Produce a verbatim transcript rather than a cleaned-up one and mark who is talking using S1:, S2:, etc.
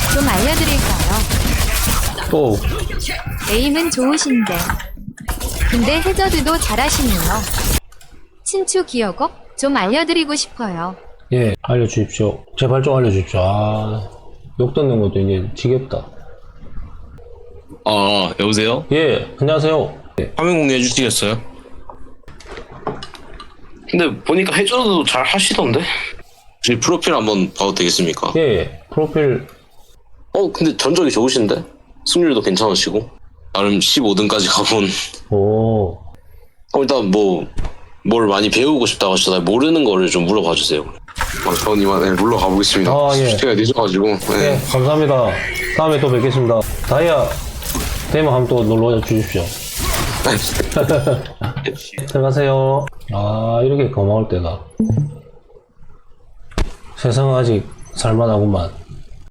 S1: 좀 알려드릴까요?
S2: 또
S1: 에임은 좋으신데. 근데 해저드도 잘하시네요. 친추 기어곡 좀 알려드리고 싶어요.
S2: 예, 알려주십시오. 제발 좀 알려주십시오. 아, 욕 듣는 것도 이제 지겹다.
S3: 아, 여보세요?
S2: 예, 안녕하세요. 예,
S3: 화면 공유해 주시겠어요? 근데 보니까 해줘도 잘 하시던데? 혹시 프로필 한번 봐도 되겠습니까?
S2: 예, 프로필,
S3: 어, 근데 전적이 좋으신데? 승률도 괜찮으시고? 나름 십오 등까지 가본.
S2: 오,
S3: 어, 일단 뭐, 뭘 많이 배우고 싶다고 하시잖아요. 모르는 거를 좀 물어봐 주세요. 아, 저는 이만 네, 물러가 보겠습니다.
S2: 아, 예.
S3: 시간이 늦어가지고. 네.
S2: 예, 감사합니다. 다음에 또 뵙겠습니다. 다이아 되면 한번 또 놀러 주십시오. 들어가세요. 아, 이렇게 고마울 때가. 세상은 아직 살만하구만.